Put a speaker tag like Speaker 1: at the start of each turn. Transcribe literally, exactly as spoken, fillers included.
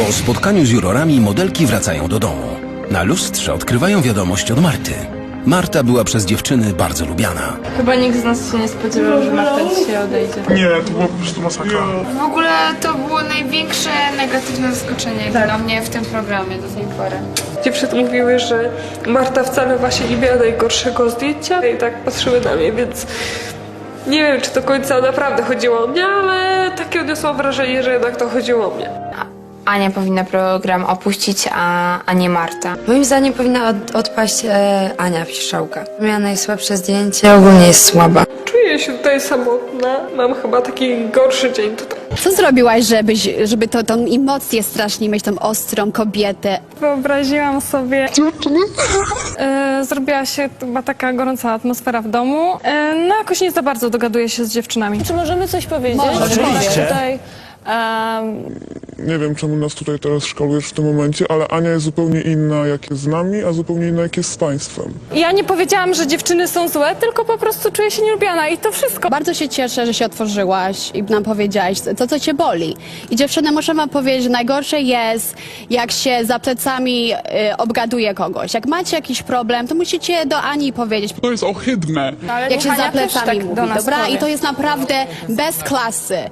Speaker 1: Po spotkaniu z jurorami modelki wracają do domu. Na lustrze odkrywają wiadomość od Marty. Marta była przez dziewczyny bardzo lubiana.
Speaker 2: Chyba nikt z nas się nie spodziewał, że Marta dzisiaj odejdzie.
Speaker 3: Nie, to była po prostu masakra.
Speaker 2: W ogóle to było największe negatywne zaskoczenie tak. dla mnie w tym programie do tej pory.
Speaker 4: Dziewczyny mówiły, że Marta wcale właśnie nie miała najgorszego zdjęcia i tak patrzyły na mnie, więc nie wiem, czy do końca naprawdę chodziło o mnie, ale takie odniosłam wrażenie, że jednak to chodziło o mnie.
Speaker 2: Ania powinna program opuścić, a, a nie Marta.
Speaker 5: Moim zdaniem powinna od, odpaść e, Ania Piszczałka. Miała najsłabsze zdjęcie, ogólnie jest słaba.
Speaker 4: Czuję się tutaj samotna, mam chyba taki gorszy dzień tutaj.
Speaker 6: Co zrobiłaś, żebyś, żeby to, tą emocję strasznie mieć, tą ostrą kobietę?
Speaker 7: Wyobraziłam sobie... E, zrobiła się chyba taka gorąca atmosfera w domu. E, no jakoś nie za bardzo dogaduję się z dziewczynami.
Speaker 8: Czy możemy coś powiedzieć?
Speaker 3: Oczywiście.
Speaker 8: Tutaj, um,
Speaker 3: Nie wiem, czemu nas tutaj teraz szkalujesz w tym momencie, ale Ania jest zupełnie inna, jak jest z nami, a zupełnie inna, jak jest z państwem.
Speaker 7: Ja nie powiedziałam, że dziewczyny są złe, tylko po prostu czuję się nielubiana i to wszystko.
Speaker 6: Bardzo się cieszę, że się otworzyłaś i nam powiedziałaś, co, co cię boli. I dziewczyny, muszę wam powiedzieć, że najgorsze jest, jak się za plecami y, obgaduje kogoś. Jak macie jakiś problem, to musicie do Ani powiedzieć.
Speaker 9: To jest ohydne.
Speaker 2: Ale
Speaker 6: Jak się
Speaker 2: Ania
Speaker 6: za
Speaker 2: też
Speaker 6: plecami
Speaker 2: tak
Speaker 6: mówi,
Speaker 2: do nas
Speaker 6: dobra?
Speaker 2: powie.
Speaker 6: I to jest naprawdę bez klasy.